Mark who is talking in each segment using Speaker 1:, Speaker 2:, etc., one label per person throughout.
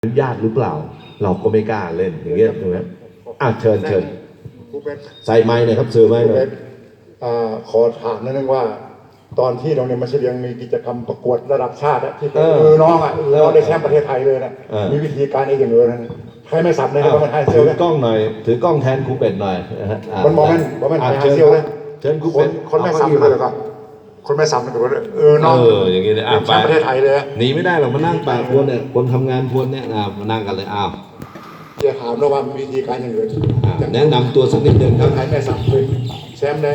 Speaker 1: อนุญาตหรือเปล่าเราก็ไม่กล้าเล่นอย่างเงี้ยถูกไหมเชิญใส่ไม้หน่อยครับสื่อไม้หน่อย
Speaker 2: ขอถามนิดนึงว่าตอนที่โรงเรียนมัธยมมีกิจกรรมประกวดระดับชาติที่น้องได้แชมป์ประเทศไทยเลยนะมีวิธีการเองอย่างเลยนะใครไม่สับเลยนะมันไฮเซล
Speaker 1: ถือกล้องหน่อยถือกล้องแทนครูเป็ดหน่อย
Speaker 2: มันบอกมันไฮเซลเลย
Speaker 1: เชิญครูเป็ด
Speaker 2: คนไม่สับเลยครับคนไม่สับมันก็น้อง
Speaker 1: อย่างงี้เลย
Speaker 2: แชมป์ประเทศไทยเลย
Speaker 1: หนีไม่ได้หรอกมานั่งปากพวนเนี่ยคนทำงานพวนเนี่ยมานั่งกันเลย
Speaker 2: จะถามนะว่าวิธีการอย่างไร
Speaker 1: แนะนำตัวสักนิดนึงครับ
Speaker 2: ใครไม่สับเลยแชมป์เลย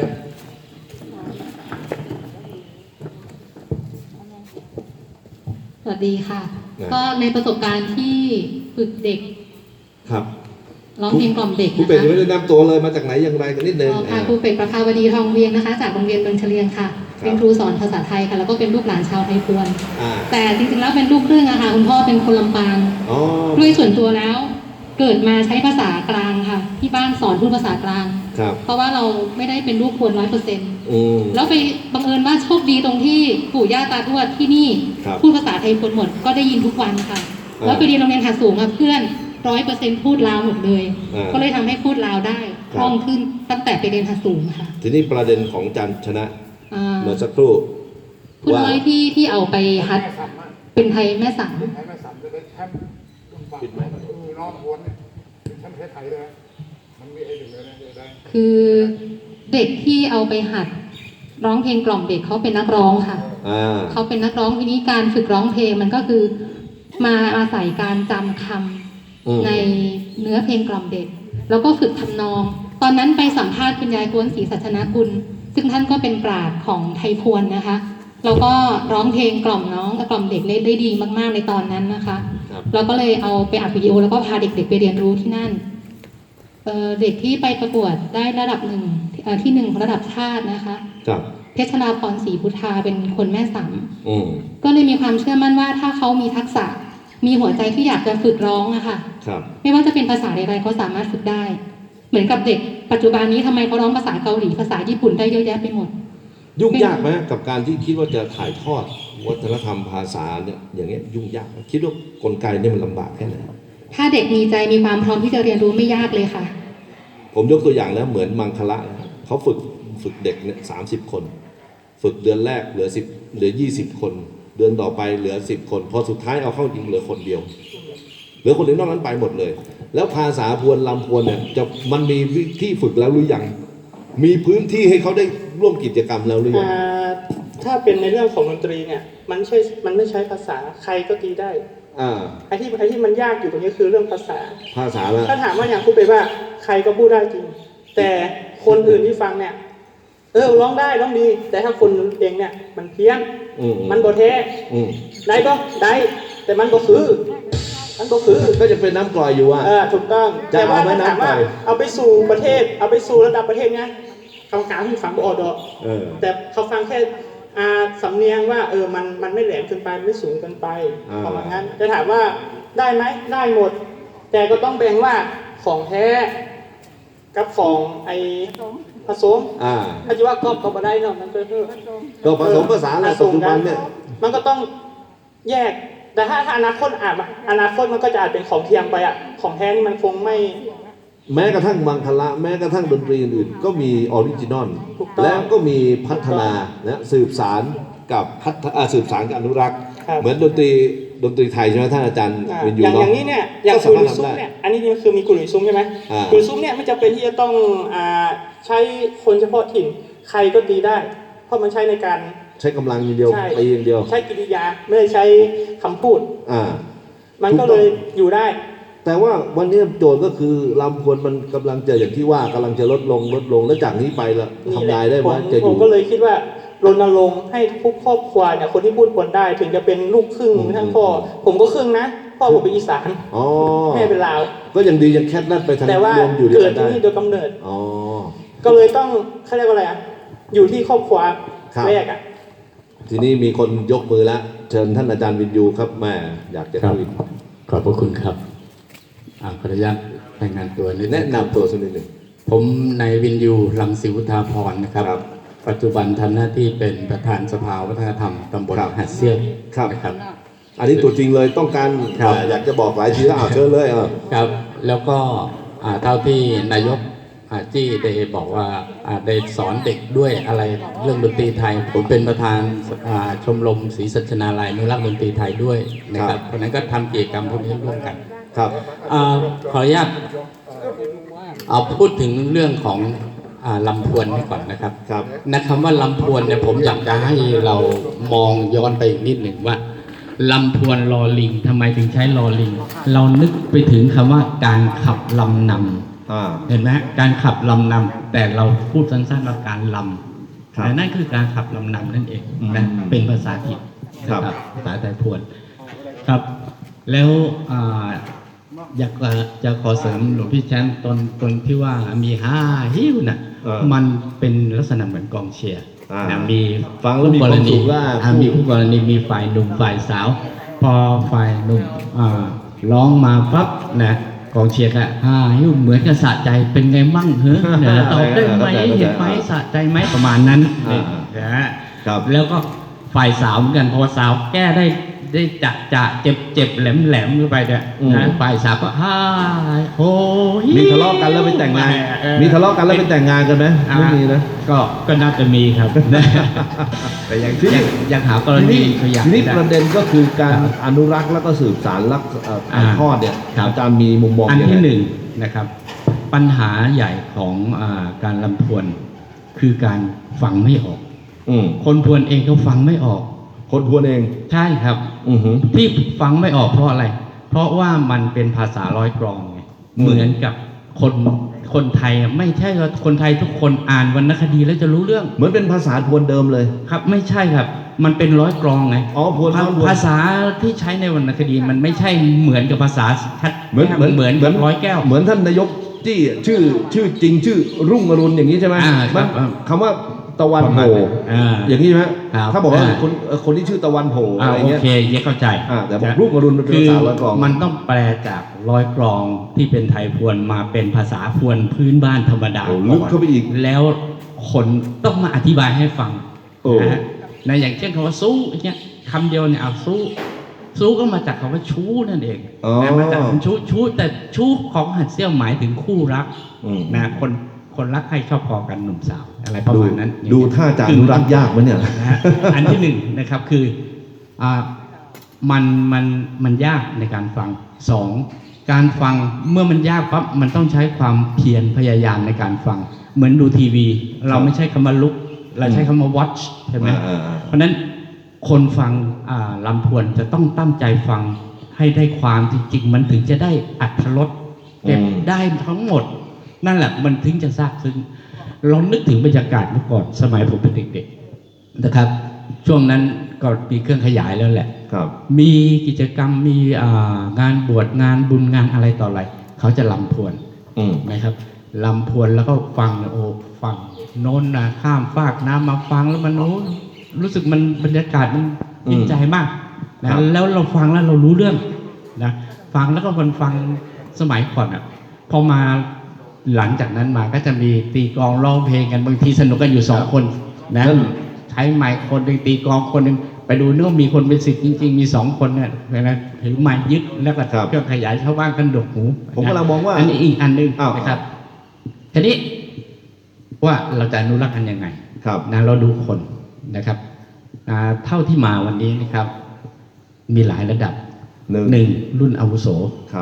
Speaker 3: สวัสดีค่ะก็ในประสบการณ์ที่ฝึกเด็ก
Speaker 1: ครับ
Speaker 3: ร้องเพลงกล่อมเด็ก
Speaker 1: ครูเป็ดยังไม่ได้แนะนำตัวเลยมาจากไหนอย่างไรกันนิดนึง
Speaker 3: ค่ะครูเป็ดประภาวดีทองเวียงนะคะจากโรงเรียนดงเฉลียงค่ะเป็นครูสอนภาษาไทยค่ะแล้วก็เป็นลูกหลานชาวไทยพวนแต่จริงๆแล้วเป็นลูกครึ่งอะค่ะคุณพ่อเป็นคนลำปางด้วยส่วนตัวแล้วเกิดมาใช้ภาษากลางค่ะที่บ้านสอนพูดภาษากลางเพราะว่าเราไม่ได้เป็นลูกพวน100%แล้วไปบังเอิญว่าโชคดีตรงที่ปู่ย่าตาทวดที่นี่พูดภาษาไทยพวนหมดก็ได้ยินทุกวันค่ะแล้วไปเรียนโรงเรียนหาสูงเพื่อน100%พูดลาวหมดเลยก็เลยทำให้พูดลาวได้คล่องขึ้นตั้งแต่ไปเรียนหาสูงค่ะ
Speaker 1: ทีนี้ประเด็นของจันชนะเมื่อสักครู่
Speaker 3: พูดน้อยที่เอาไปฮัดเป็นไทยแม่สังคือเด็กที่เอาไปหัดร้องเพลงกล่อมเด็กเขาเป็นนักร้องค่ะเขาเป็นนักร้องทีนี้การฝึกร้องเพลงมันก็คือมาอาศัยการจำคำในเนื้อเพลงกล่อมเด็กแล้วก็ฝึกทำนองตอนนั้นไปสัมภาษณ์คุณยายกวนศรีสัชนากุลซึ่งท่านก็เป็นปราชญ์ของไทยพวนนะคะแล้วก็ร้องเพลงกล่อมน้องกล่อมเด็กได้ดีมากๆในตอนนั้นนะคะเราก็เลยเอาไปอัดวิดีโอแล้วก็พาเด็กๆไปเรียนรู้ที่นั่นเด็กที่ไปประกวดได้ระดับที่1ของระดับชาตินะคะเพชรราพรศรีพุทธาเป็นคนแม่สำก็เลยมีความเชื่อมั่นว่าถ้าเขามีทักษะมีหัวใจที่อยากจะฝึกร้องอะค่ะไม่ว่าจะเป็นภาษาใดๆเขาสามารถฝึกได้เหมือนกับเด็กปัจจุบันนี้ทำไมเขาร้องภาษาเกาหลีภาษาญี่ปุ่นได้เยอะแยะไปหมด
Speaker 1: ยุ่งยากไหมกับการที่คิดว่าจะถ่ายทอดวัฒนธรรมภาษาเนี่ยอย่างเงี้ยยุ่งยากคิดว่ากลไกเนี่ยมันลำบากแค่ไหน
Speaker 3: ถ้าเด็กมีใจมีความพร้อมที่จะเรียนรู้ไม่ยากเลยค่ะ
Speaker 1: ผมยกตัวอย่างแล้วเหมือนมังคละเขาฝึกเด็กเนี่ย30 คนฝึกเดือนแรกเหลือ20 คนเดือนต่อไปเหลือ10 คนพอสุดท้ายเอาเข้าจริงเหลือคนเดียวเหลือคนเดียวนอกนั้นไปหมดเลยแล้วภาษาพวนลำพวนเนี่ยมันมีที่ฝึกแล้วหรือยังมีพื้นที่ให้เขาได้ร่วมกิจกรรมแล้วหรือยัง
Speaker 4: ถ้าเป็นในเรื่องของดนตรีเนี่ยมันไม่ใช้ภาษาใครก็ตีได้ไอ้ที่มันยากอยู่ตรงนี้คือเรื่องภาษาแล้วถ้าถามว่าอย่างครูไปว่าใครก็พูดได้จริงแต่คนอื่นที่ฟังเนี่ยร้องได้ร้องดีแต่ถ้าคนเองเนี่ยมันเพี้ยนมันบ่แท้ได้ก็ได้แต่มันก็คือ
Speaker 1: ก็จะเป็นน้ำกร่อยอยู่
Speaker 4: ถูกต้องแต่ว่าถ้าถามว่าเอาไปสู่ประเทศเอาไปสู่ระดับประเทศเนี่ยกรรมการที่ฟังบ่อดอกแต่เขาฟังแค่สำเนียงว่ามันไม่แหลมเกินไปไม่สูงเกินไปประมาณนั้นจะถามว่าได้ไหมได้หมดแต่ก็ต้องแบ่งว่าของแท้กับของผสมถ้าจะว่าก็บ่ได้เนาะมัน
Speaker 1: ก็ผสมภาษาอะไรปัจจุบันเนี่ย
Speaker 4: มันก็ต้องแยกแต่ถ้าอนาคตอนาคตมันก็จะอาจเป็นของเทียมไปของแท้นี่มันคงไม่
Speaker 1: แม้กระทั่งมังคละแม้กระทั่งดนตรีอื่นก็มีออริจินอลแล้วก็มีพัฒนาสืบสารกับสืบสารกับอนุรักษ์เหมือนดนตรีไทยใช่ไหมท่านอาจารย์เป็นอยู่
Speaker 4: อย่างนี้เนี่ยอย่างกุหรี่ซุ้มเนี่ยอันนี้มันคือมีกุหรี่ซุ้มใช่ไหมกุหรี่ซุ้มเนี่ยไม่จำเป็นที่จะต้องใช้คนเฉพาะถิ่นใครก็ตีได้เพราะมันใช้ในการ
Speaker 1: ใช้กำลังอย่างเดียวตีอย่างเดียว
Speaker 4: ใช้กิริยาไม่ได้ใช้คำพูดมันก็เลยอยู่ได้
Speaker 1: แต่ว่าวันนี้โจทย์ก็คือลำพวนมันกำลังจะอย่างที่ว่ากำลังจะลดลงแล้วจากนี้ไปละทำลายได้ไหมจะอยู่
Speaker 4: ผมก็เลยคิดว่ารณรงค์ให้ทุกครอบครัวเนี่ยคนที่พูดพวนได้ถึงจะเป็นลูกครึ่งทั้งพ่อผมก็ครึ่งนะพ่อผมเป็นอีสานแม่เป็นลาว
Speaker 1: ก็ยังดียังแค่นั้นไปทาง
Speaker 4: แต่ว่าเกิดที่นี่โดยกำเนิดก็เลยต้องเขาเรียกว่าอะไรอยู่ที่ครอบครัวแรก
Speaker 1: ทีนี้มีคนยกมือแล้วเชิญท่านอาจารย์วินยูครับแม่อยากจะคุย
Speaker 5: ขอบพระคุณครับขออนุญาตรายงานตัวนิด
Speaker 1: แนะนำตัวสักนิดหนึ่ง
Speaker 5: ผมนายวินยูรังสีวุฒาพรนะครับปัจจุบันทำหน้าที่เป็นประธานสภาวัฒนธรรมตำบลหาดเซี่ยวนะครับ
Speaker 1: อันนี้ตัวจริงเลยต้องการ
Speaker 5: ครับ
Speaker 1: อยากจะบอกหลายทีแล้วเชิญเลย
Speaker 5: ครับแล้วก็เท่าที่นายกจี้ได้บอกว่าได้สอนเด็กด้วยอะไรเรื่องดนตรีไทยผมเป็นประธานชมรมศรีสัชนาลัยอนุรักษ์ดนตรีไทยด้วยนะครับเพราะนั้นก็ทำกิจกรรมพวกนี้ร่วมกัน
Speaker 1: ครับ
Speaker 5: ขออนุญาตเอาพูดถึงเรื่องของลำพวนนี่ก่อนนะครับ
Speaker 1: ครับ
Speaker 5: นะคำว่าลำพวนเนี่ยผมอยากจะให้เรามองย้อนไปอีกนิดหนึ่งว่าลำพวนลอลิงทำไมถึงใช้ลอลิง เรานึกไปถึงคำว่าการขับลำนำเห็นไหมการขับลำนำแต่เราพูดสั้นๆว่าการลำแต่นั่นคือการขับลำนำนั่นเองนะเป็นภาษาถิ่นนะครับภาษาไทยพวนครับแล้วอยากจะขอเสริมหลวงพี่แชมป์ตนที่ว่ามีฮิ้วน่ะมันเป็นลักษณะเหมือนกองเชียร์นะมี
Speaker 1: ฟังแล้วมีความสุขว่า
Speaker 5: มีคู่กรณีมีฝ่ายหนุ่มฝ่ายสาว พอฝ่ายหนุ่มร้องมาปั๊บนะกองเชียร์ก็ฮิ้วเหมือนกับสะใจเป็นไงมั่งเฮ้ยตอบได้ไหมเห็นไหมสะใจไหมประมาณนั้นนะแล้วก็ฝ่ายสาวเหมือนกันพอสาวแก้ได้จะเจ็บแหลมขึ้นไปเนี่ยนะฝ่ายสาวก็โอ้ย
Speaker 1: มีทะเลาะกันแล้วไปแต่งงานมีทะเลาะกันแล้วไปแต่งงานกันไหมไม่มีนะ
Speaker 5: ก็น่าจะมีครับ แต่ยังหากรณีตัวอย่าง
Speaker 1: ทีนี้ประเด็นก็คือการอนุรักษ์แล้วก็สืบสานถ่ายทอดเนี่ยอาจารย์มีมุมมอง
Speaker 5: อัน
Speaker 1: ยังไง
Speaker 5: ที่หนึ่งนะครับ ปัญหาใหญ่ของการลำพวนคือการฟังไม่ออกคนพวนเองเขาฟังไม่ออก
Speaker 1: คนพวนเอง
Speaker 5: ใช่ครับที่ฟังไม่ออกเพราะอะไร เพราะว่ามันเป็นภาษาร้อยกลองไงเหมือนกับคนไทยไม่ใช่ว่าคนไทยทุกคนอ่านวรรณคดีแล้วจะรู้เรื่อง
Speaker 1: เหมือนเป็นภาษาพวนเดิมเลย
Speaker 5: ครับไม่ใช่ครับมันเป็นร้อยกลองไง
Speaker 1: พวน
Speaker 5: ภาษาที่ใช้ในวรรณคดีมันไม่ใช่เหมือนกับภาษาชัดเหมือนร้อยแก้ว
Speaker 1: เหมือนท่านนายกที่ชื่อจริงชื่อรุ่งอรุณอย่างนี้ใช่ไหมคำว่าตะวันโผอย่างนี้ใช่ไหมถ้าบอกว่าคนที่ชื่อตะวันโผอะไรเงี้ย
Speaker 5: โอเคเข้าใจ
Speaker 1: แต่บอกรุ่งอรุณเป็นภาษาร้อยกลอง
Speaker 5: มันต้องแปลจากร้อยกลองที่เป็นไทยพวนมาเป็นภาษาพวนพื้นบ้านธรรมดา
Speaker 1: ลึกเข้าไปอีก
Speaker 5: แล้วคนต้องมาอธิบายให้ฟังนะอย่างเช่นคำว่าสู้เนี่ยคำเดียวเนี่ยสู้ก็มาจากคำว่าชู้นั่นเองมาจากชู้แต่ชู้ของหัดเซี่ยวหมายถึงคู่รักนะคนรักใครชอบพอกันหนุ่มสาวอะไรประมาณนั้น
Speaker 1: ดูท่าจะอนุรักษ์ยากมั้ยเนี่ย
Speaker 5: อันที่หนึ่งนะครับคือมันยากในการฟังสองการฟังเมื่อมันยากปั๊บมันต้องใช้ความเพียรพยายามในการฟังเหมือนดูทีวีเราไม่ใช่คำว่าลุกเราใช้คำว่า watch ใช่ไหมเพราะนั้นคนฟังลำพวนจะต้องตั้งใจฟังให้ได้ความจริงๆมันถึงจะได้อรรถรสเก็บได้ทั้งหมดนั่นแหละมันถึงจะซาบซึ้งลองนึกถึงบรรยากาศเมื่อก่อนสมัยผมเป็นเด็กๆนะครับช่วงนั้นก็มีเครื่องขยายแล้วแหละมีกิจกรรมมีงานบวชงานบุญงานอะไรต่ออะไรเขาจะลำพวนนะครับลำพวนแล้วก็ฟังฟังโน้นนะข้ามฟากน้ำมาฟังแล้วมันรู้สึกมันบรรยากาศมันอินใจมากนะแล้วเราฟังแล้วเรารู้เรื่องนะฟังแล้วก็มันฟังสมัยก่อนพอมาหลังจากนั้นมาก็จะมีตีกลองร้องเพลงกันบางทีสนุกกันอยู่2คนนะใช้ไมค์คนหนึ่งตีกลองคนหนึ่งไปดูเนื้อมีคนเป็น10จริงๆมี2คนเนี่ยนะถือไม้ยึดแล้วก็เครื่องขยายชาวบ้านกันดกหู
Speaker 1: ผมกำลังมองว่า
Speaker 5: อันนี้อีกอันนึงนะครับทีนี้ว่าเราจะอนุรักษ์กันยังไงนะเราดูคนนะครับเท่าที่มาวันนี้นะครับมีหลายระดับ1รุ่นอาวุโส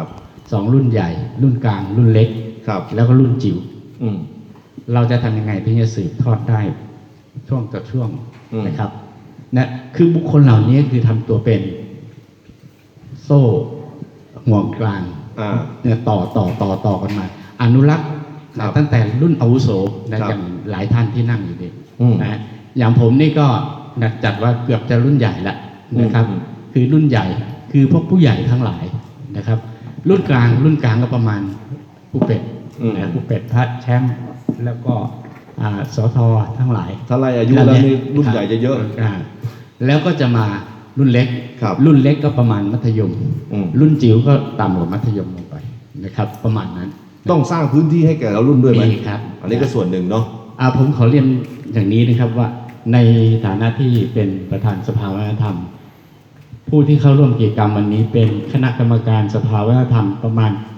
Speaker 5: 2รุ่นใหญ่รุ่นกลางรุ่นเล็กแล้วก็รุ่นจิ๋วเราจะทำยังไงถึงจะสืบทอดได้ช่วงต่อช่วงนะครับนะคือบุคคลเหล่านี้คือทำตัวเป็นโซ่ห่วงกลางเนี่ยต่อกันมาอนุรักษ์ตั้งแต่รุ่นอาวุโสนะอย่างหลายท่านที่นั่งอยู่นี่นะอย่างผมนี่ก็จัดว่าเกือบจะรุ่นใหญ่แล้วนะครับคือรุ่นใหญ่คือพวกผู้ใหญ่ทั้งหลายนะครับรุ่นกลางก็ประมาณผู้เป็ดผู้เป็ดพระแชมป์แล้วก็สททั้งหลาย
Speaker 1: ถ้าไล่อายุแล้วนี่รุ่นใหญ่จะเยอะ
Speaker 5: แล้วก็จะมารุ่นเล็กรุ่นเล็กก็ประมาณมัธยมรุ่นจิ๋วก็ต่ำกว่ามัธยมลงไปนะครับประมาณนั้น
Speaker 1: ต้องสร้างพื้นที่ให้แก่เรารุ่นด้วยไหม
Speaker 5: ครับ
Speaker 1: อันนี้ก็ส่วนหนึ่งเนาะ
Speaker 5: ผมขอเรียนอย่างนี้นะครับว่าในฐานะที่เป็นประธานสภาวัฒนธรรมผู้ที่เข้าร่วมกิจกรรมวันนี้เป็นคณะกรรมการสภาวัฒนธรรมประมาณ